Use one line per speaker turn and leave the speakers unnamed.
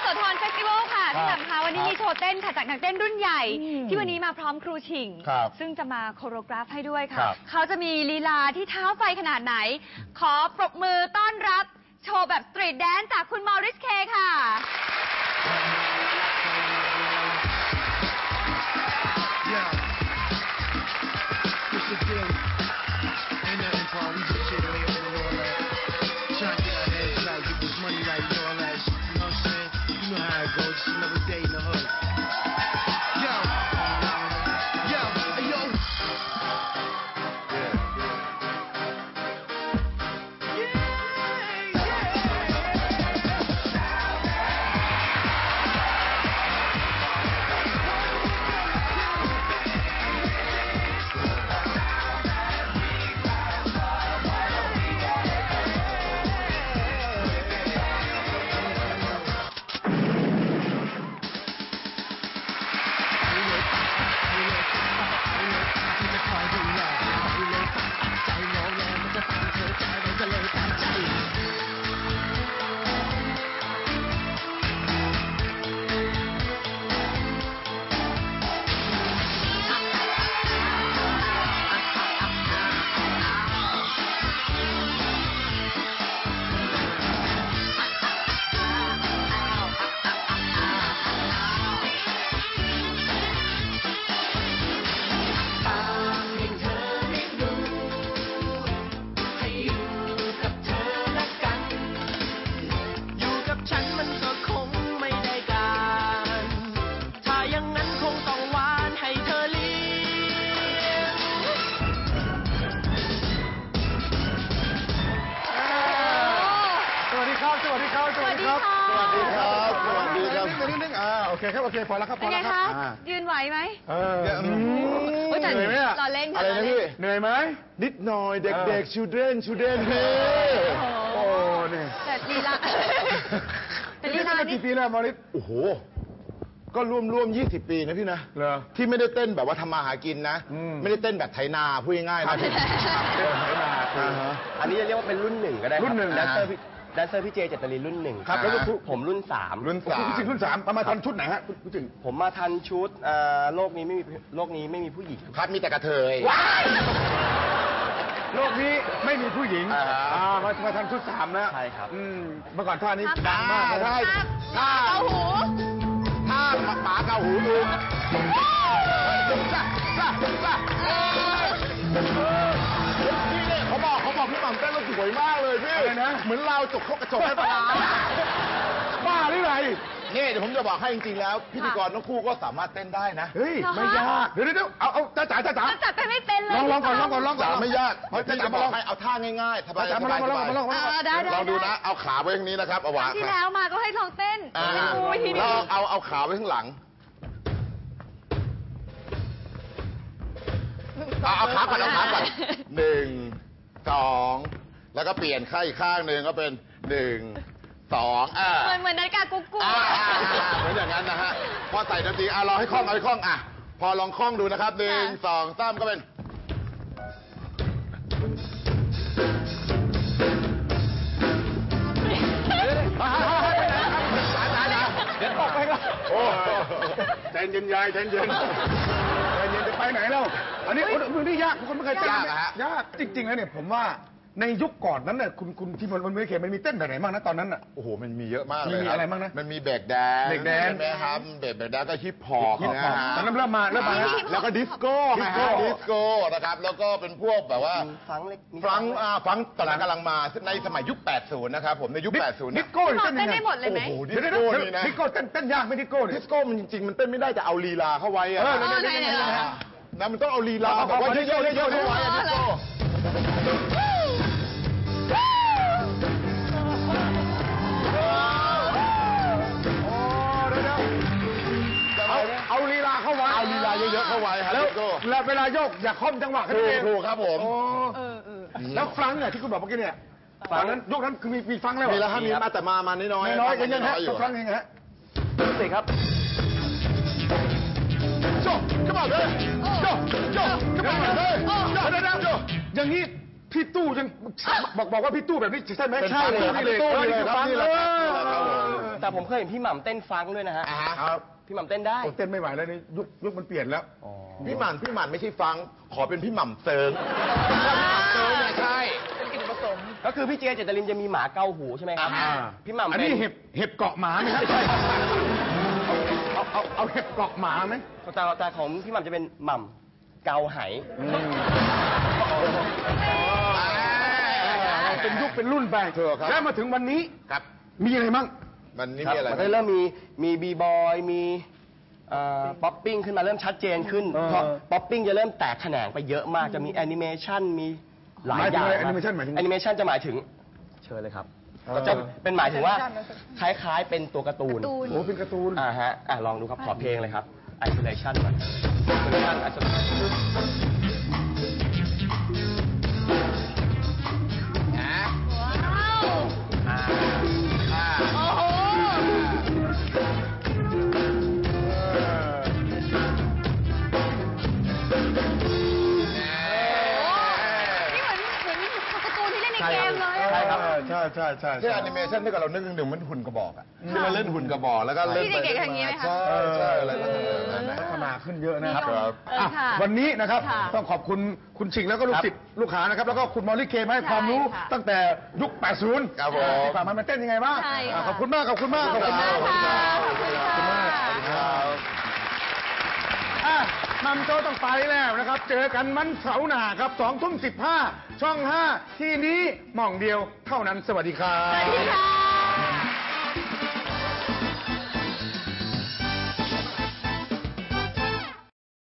โสธรเฟสติวัลค่ะพี่แหม่มคะวันนี้มีโชว์เต้นค่ะจากนักเต้นรุ่นใหญ่ที่วันนี้มาพร้อมครูชิงซึ่งจะมาโคโรกราฟให้ด้วยค่ะเขาจะมีลีลาที่เท้าไฟขนาดไหนขอปรบมือต้อนรับโชว์แบบสตรีทแดนซ์จากคุณมอริสเคค่ะ
โอเคครับโอเคพอแล้วครับพอแล้วครับ
ยืนไหวไหม
เหนื่อยไหมอะอะไรนะพี่เหนื่อยไหมนิดหน่อยเด็กๆ children เฮ้โอ้เนี่ย
แต่ลีลา
แต่ลีลากี่ปีแล้วมอริสโอ้โหก็ร่วม20 ปีนะพี่นะที่ไม่ได้เต้นแบบว่าทำมาหากินนะไม่ได้เต้นแบบไถนาพูดง่ายๆนะไถนา
อันนี้จะเรียกว่าเป็นรุ่น1ก็ได้
รุ่น1
แดนเซอร์พี่เจเจตรินรุ่น1
ครับแล้ว
ผมรุ่น3
รุ่น3มาทันชุดไหนฮะพูดถึง
ผมมาทันชุดโลกนี้ไม่มีผู้หญิง
ครับมีแต่กระเทยโลกนี้ไม่มีผู้หญิงมาทันชุด3นะ
ใช่ครับ
เมื่อก่อนท่านี้ดังมาก
ใช่ท่าเกาหู
ท่าหมาเกาหูดูเขาบอกพี่หม่ำเต้นแล้วสวยมากเลยพี่เหมือนเราจกกระจกให้ปลาบ้าหรือไงนี่เดี๋ยวผมจะบอกให้จริงๆแล้วพิธีกรทั้งคู่ก็สามารถเต้นได้นะเฮ้ยไม่ยากเดี๋ยวเอาจ๋า
เต้นไม่เป็นเลย
ลองก่อนจ๋าไม่ยากเพราะจะบอกให้เอาท่าง่ายๆสบายๆมาลองดูนะเอาขาไว้ทางนี้นะครับเอาวาง
ที่แล้วมาก็ให้ลองเต้น
เราเอาขาไว้ข้างหลังเอาขาก่อน1 2แล้วก็เปลี่ยนข้างอีกข้างหนึ่งก็เป็น1 2
เหมือนนาฬิกากุ๊ก
เหมือนอย่างนั้นนะฮะพอใส่ดนตรีเราให้คล่องพอลองคล่องดูนะครับ1 2 3ก็เป็นเดี๋ยวตกไปแล้วโอ้ใจเย็นยายใจเย็นจะไปไหนแล้วอันนี้นี่ยากคุณไม่เคยเต้นยากจริงๆแล้วเนี่ยผมว่าในยุคก่อนนั้นน่ะคุณที่มันไม่เคยมันมีเต้นแบบไหนบ้างนะตอนนั้นน่ะโอ้โหมันมีเยอะมากเลยมีอะไรบ้างนะมันมีเบรกแดนใช่ไหมครับเบรกแดนก็ฮิปฮอปนะฮะตอนนั้นเริ่มมาแล้วก็ดิสโก้นะครับแล้วก็เป็นพวกแบบว่าฟังตอนนั้นกำลังมาในสมัยยุค80นะครับผมในยุค80
ดิสโก้เต้นได้หมดเลยไหม
ดิสโก้นี่นะดิสโก้เต้นยากไหมดิสโก้มันจริงๆมันเต้นไม่ได้แต่เอาลีลาเข้าไว้นะมันต้องเอาลีลาแบบว่าเยอะๆเข้าไว้ดิสโก้เอาลีลาเข้าไว้เอาลีลาเยอะๆเข้าไว้ครับแล้วเวลาโยกอย่าค่อมจังหวะกันเองถูกครับผมแล้วฟลังเนี่ยที่คุณบอกเมื่อกี้เนี่ยตอนนั้นยกนั้นคือมีฟลังแล้วมีแล้วมีมาแต่มาน้อยยังฮะฟลังยังฮะ
สิครับ
โจ้ขึ้นมาเลยโจ้ขึ้นมาเลยอย่างนี้พี่ตู้ยังบอกว่าพี่ตู้แบบนี้ใช่ไหมใช่เลยพี่ตู้เลยครับ
แต่ผมเคยเห็นพี่หม่ำเต้นฟังก์ด้วยนะฮะ
ครับ
พี่หม่ำเต้นได้
ผมเต้นไม่ไหวแล้วนี่ยุคมันเปลี่ยนแล้ว
พี่หม่ำไม่ใช่ฟัง ขอเป็นพี่หม่ำเซิงเซิงเนี่ยใช่เป็นกินผสม
ก็คือพี่เจเจตลินจะมีหมาเกาหูใช่ไหมครับ พี่หม่ำ
อัน
เป็น
นี้เห็บเกาะหมาไหมครับเอาเห็บเกาะหมาไหม
แต่ของพี่หม่ำจะเป็นหม่ำเกาไห
เป็นยุคเป็นรุ่นไป
ถูกครับ
แล้วมาถึงวันนี้
ครับ
มีอะไรมั่ง
มันนี่
ครับ
มีอะไร
มันก็เริ่มมีบีบอยมีป๊อปปิ้งขึ้นมาเริ่มชัดเจนขึ้นเพราะป๊อปปิ้งจะเริ่มแตกแขนงไปเยอะมากจะมีแอนิเมชันมีหลายอย่าง
แอนิเมชันหมายถึง
แอนิเมชันจะหมายถึงเชิญเลยครับก็จะเป็นหมายถึงว่าคล้ายๆเป็นตัวการ์ตูน
โอ้เป็นการ์ตูน
ฮะลองดูครับขอเพลงเลยครับ isolation ก่อน isolation
ว้าว โอ้โห นี่เหมือนการ์ตูนที่เล่นในเกมเลยอะ
ใช่ครับ
ใช่
ที่แอนิเมชันที่เรานึกถึงมันหุ่นกระบอกอะที่เราเล่นหุ่นกระบอกแล้วก็เล่น
ที่เด็กๆอย่างนี้ไหมคะ
ใช่อะไรก็ทำแบบนั้นนะ
พัฒนาขึ้นเยอะนะครับ
นิยม
อ่ะ
ค่ะ
วันนี้นะครับ
ค่ะ
ต้องขอบคุณคุณชิงแล้วก็ลูกศิษย์ลูกหานะครับ แล้วก็คุณมอลลี่เคมาให้ความรู้
ใช่ค่ะ
ตั้งแต่ยุค 80
ครับผม
ที่ผ่านมามันเต้นยังไงบ้าง
ใช่ค่ะ
ขอบคุณมาก ขอบคุณมาก
ขอบคุณมากค่ะขอบคุณค่ะ
ขอบคุณมากอ่ะมัมโจต้องไปแล้วนะครับ เจอกันมันเสาร์หน้าครับ2 ทุ่ม 15 ช่อง 5 ที่นี้หม่องเดียวเท่านั้น สวัสดีครับ
สวัสดีค่ะ